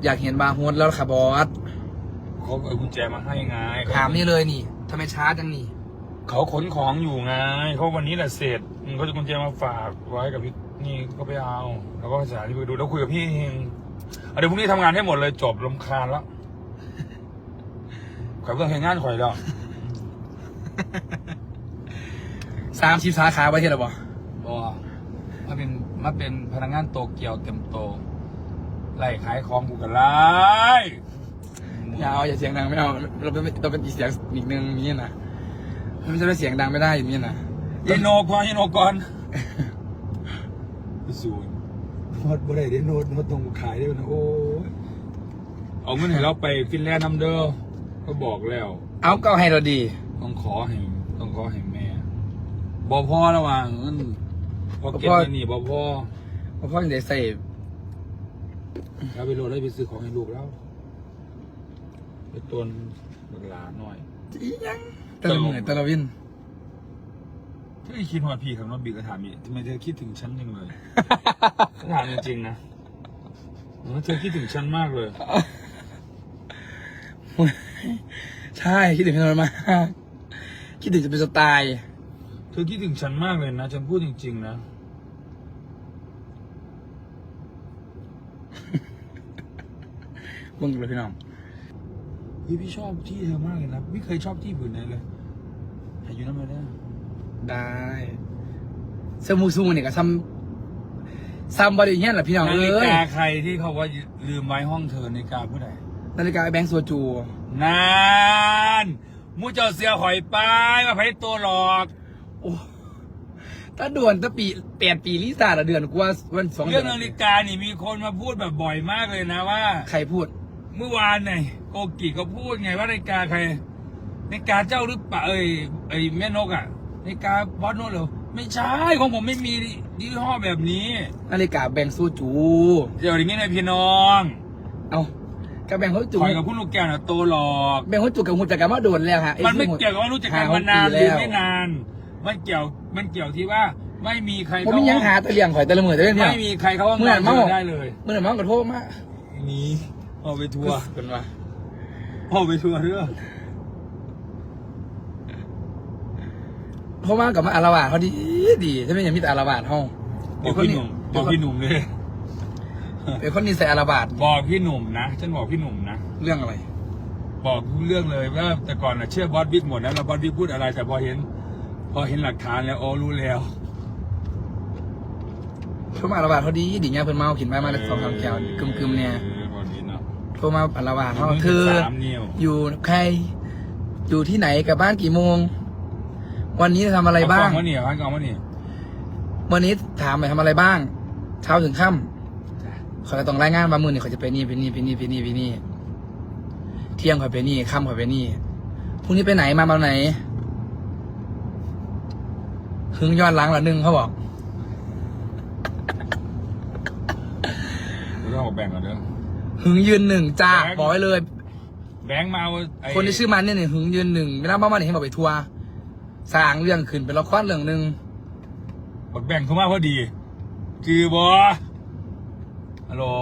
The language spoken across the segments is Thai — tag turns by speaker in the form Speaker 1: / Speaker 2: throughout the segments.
Speaker 1: อยากเห็นบาร์โฮสแล้วค่ะบอส
Speaker 2: เขาเอากุญแจมาให้ไง
Speaker 1: ถามนี่เลยนี่ทำไมช้าจังนี่
Speaker 2: เขาขนของอยู่ไงเขาวันนี้แหละเสร็จเขาจะกุญแจมาฝากไว้กับพี่นี่ก็ไปเอาแล้วก็สถานีไปดูแล้วคุยกับพี่เองเดี๋ยวพรุ่งนี้ทำงานให้หมดเลยจบรำคาญแล้วข่อยเพิ่งเห็นงานข่อยแล้ว
Speaker 1: 30 สาขาไว้ที่ไหนบอ
Speaker 2: มาเป็นพนักงานโตเกียวเต็มโตไล่ขายของกูกันไล่
Speaker 1: อย่าเอาอย่าเสียงดังไม่เอาเราเป็นอีกเสียงอีกนึงนี่นะมันจะไม่เสียงดังไม่ได้อย่างนี้นะ
Speaker 2: ยิโนก่อนศูนย์นวดบ่ได้เด้นวดตรงขายได้นะโอ้ยเอาเงินให้เราไปฟินแลนด์นำเด้อก็บอกแล้ว
Speaker 1: เอาก็ให้เราดี
Speaker 2: ต้องขอให้แม่บ่พ่อระหว่างเงินพอเก็บเงินนี่บ่พ่อ
Speaker 1: เพราะยังได้ใส่
Speaker 2: แล้วไปโหลดได้ไปซื้อของให้ลูกแล้วไปต้นบักหลาหน่อย
Speaker 1: อีหยังตะละเหนื่อยตะละวิน
Speaker 2: ถ้าคิดว่าพี่ขับรถบีก็ถามอีกทำไมเธอคิดถึงฉันจังเลย ถามจริงๆนะเธอคิดถึงฉันมากเลย
Speaker 1: ใช่คิดถึงพี่นนท์มากคิดถึงจะเป็นสไตล์
Speaker 2: เธอคิดถึงฉันมากเลยนะฉันพูดจริงๆนะ
Speaker 1: มึงเลยพี่น้อง
Speaker 2: พี่ชอบที่เธอมากเลยนะไม่เคยชอบที่ผืนไหนเลยหาอยู่นั่นมาได้
Speaker 1: ได้เซมูซูเนี่ยก็ซ้ำบริเงี้ยแหละพี่น้อง
Speaker 2: นา
Speaker 1: เอ้
Speaker 2: ฬิ
Speaker 1: ย
Speaker 2: กาใครที่เขาว่าลืมไว้ห้องเธอนาฬิกาผู้ใด
Speaker 1: นาฬิกาไอ้แบงค์โซจู
Speaker 2: นานมูเจ้าเสียหอยไปมาไพ่ตัวหลอก
Speaker 1: โอ้ถ้าด่วนถ้า8 ปีลิซ่าละเดือนกูว่าวัน2
Speaker 2: เรื่
Speaker 1: เดื
Speaker 2: องนาฬิกานี่มีคนมาพูดแบบบ่อยมากเลยนะว่า
Speaker 1: ใครพูด
Speaker 2: เมื่อวานเนี่ยโกกิก็พูดไงว่านาฬิกาใครนาฬิกาเจ้าหรือเปล่าแม่นกอ่ะนาฬิกาบอสโนเหรอไม่ใช่ของผมไม่มียี่ห้อแบบนี้
Speaker 1: นาฬิกาแบงค์โซจู
Speaker 2: เดี๋ยวนี้นะพี่น้อง
Speaker 1: เอากับแบงค์โซจู
Speaker 2: คอยกับคุณลูกแก้วน่ะโตหลอก
Speaker 1: แบงค์โซจูกับหุ่นจักรมาโดนแล้วฮะ
Speaker 2: มันไม่เกี่ยวกับว่ารู้จักกันมานานหรือไม่นาน มันเกี่ยวที่ว่าไม่มีใคร
Speaker 1: ผมมียังหาตะเลียงข่อยตะละมือตะเลียงเนี่ย
Speaker 2: ไม่มีใครเขาว่า
Speaker 1: เมื่อไหร่เมา
Speaker 2: ได้เลย
Speaker 1: เมื่อไหร่เมากับโทษมา
Speaker 2: นี่เอาไปทัวร์
Speaker 1: เป็นว่า
Speaker 2: เอาไปทัวร์เรื่อง
Speaker 1: เพราะว่ากับมาอารวาสเขาดีถ้าไม่อย่างมีแต่อารวาสห้อง
Speaker 2: บอกพี่หนุ่มเลย
Speaker 1: เป็นคนนิสัยอารวาส
Speaker 2: บอกพี่หนุ่มนะฉันบอกพี่หนุ่มนะ
Speaker 1: เรื่องอะไร
Speaker 2: บอกทุกเรื่องเลยว่าแต่ก่อนน่ะเชื่อบอสบิ๊กหมดนะแล้วบอสบิ๊กพูดอะไรแต่พอเห็นหลักฐานแล้วอ๋อรู้แล้ว
Speaker 1: โทรมาอารวาสเขาดีเนี่ยเพิ่นเมาขินมาแล้ว2-3 แก้วกึมเนี่ย
Speaker 2: วันนี้เนาะ
Speaker 1: โทรมาอารวาสเขาเธอ
Speaker 2: 3 นิ้ว
Speaker 1: อยู่ใคร อยู่ที่ไหนกับบ้านกี่โมง วันนี้ทำอะไรบ้าง
Speaker 2: เอเนี่ยพันกองวะเนี่ย
Speaker 1: วันนี้ถามไปทำอะไรบ้าง เช้าถึงค่ำเขาจะต้องรายงานว่ามื้อนี้เขาจะไปนี่เที่ยงเขาไปนี่ค่ำเขาไปนี่พรุ่งนี้ไปไหนมาไหนหึงย้อนหลังละนึงเขาบอก
Speaker 2: เราต้องแบ่งกันเด้อ
Speaker 1: หึงยืน1จ้า
Speaker 2: แบงค์
Speaker 1: บอกไว้เลย
Speaker 2: แบงค์มาเอาไอ้
Speaker 1: คนที่ชื่อมันเนี่ยหึงยืน1ไม่รับบ้านเนี่ยให้บอกไปทัวร์สร้างเรื่องขึ้นเป็นละครเรื่องหนึ่ง
Speaker 2: บักแบ่งเข้ามาพอดีจือบอฮัลโหล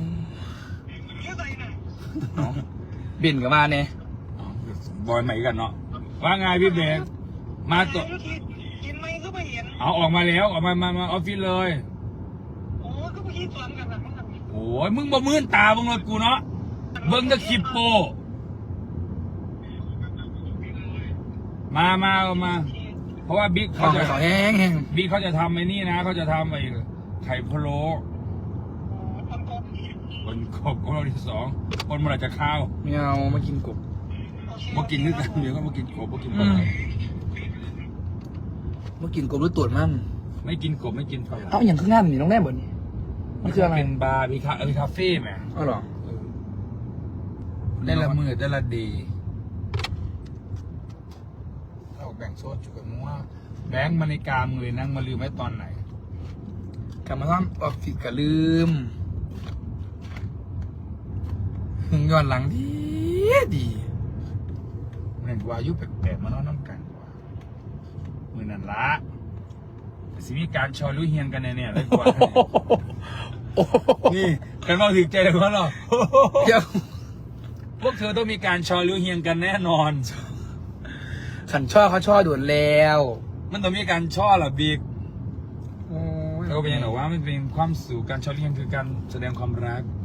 Speaker 1: บินกับมาเนี่ย
Speaker 2: บอยใหม่กันเนาะว่าไงพี่แบงค์มาตัว
Speaker 3: กินไหมก็ไม่เห็น
Speaker 2: เอาออกมาแล้วออกมาออฟฟิศเลย
Speaker 3: โอ้ก็เมื่อกี้สวนกันนะมั้งครับ
Speaker 2: โอ้ยมึงบ่มื่นตามึงเลยกูเนาะเบิ้งจะคลิปโปมาเพราะว่าบิ๊ก
Speaker 1: ของ
Speaker 2: เขาจะ
Speaker 1: เขาแห้ง
Speaker 2: บิ๊กเขาจะทำไอ้นี่นะเขาจะทำไอ้ไข่พะโล้
Speaker 3: คนกบ
Speaker 2: คนขอบคนที่2คนเมื่อไหรจะข้าว
Speaker 1: ไม่เอามากินกบ
Speaker 2: มากินด้วยกันเดี๋ยวก็มากินกบมากินปลา
Speaker 1: มากินกบหรือตรวจมั่น
Speaker 2: ไม่กินกบไม่กินปลา
Speaker 1: เอาอย่างข้างหน้านี่น้องแน่บ่นี่มันคืออะไร
Speaker 2: เป็นบาร์มีคาเฟ่ไหม
Speaker 1: อ๋อเหรอ
Speaker 2: ได้ละมือได้ละดีเราแบ่งโซดจุกันมั่วแบงค์มาในกามือนั่งมาลืมไว้ตอนไหน
Speaker 1: กลับมาซ่อมออฟฟิศก็ลืมหึงย้อนหลังดี
Speaker 2: เหมือนวายุแปลกๆมานอนน้ำกันว่ะมือนั่นละสิมีการชอลุเฮียนกันเนี่ยเลยกว่า
Speaker 1: โอ้โห
Speaker 2: นี่กันมาถึงใจเลยว่าหรอ
Speaker 1: เดี๋ยว
Speaker 2: พวกเธอต้องมีการชอลิ้วเฮียงกันแน่นอน
Speaker 1: ขันช่อเขาช่อด่วนแล้ว
Speaker 2: มันต้องมีการช่อเหรอบิ๊ก
Speaker 1: โอ้ย
Speaker 2: แล้วก็เป็นอย่างไรว่ามันเป็นความสู่การชอลิ้วเฮียงคือการแสดงความรัก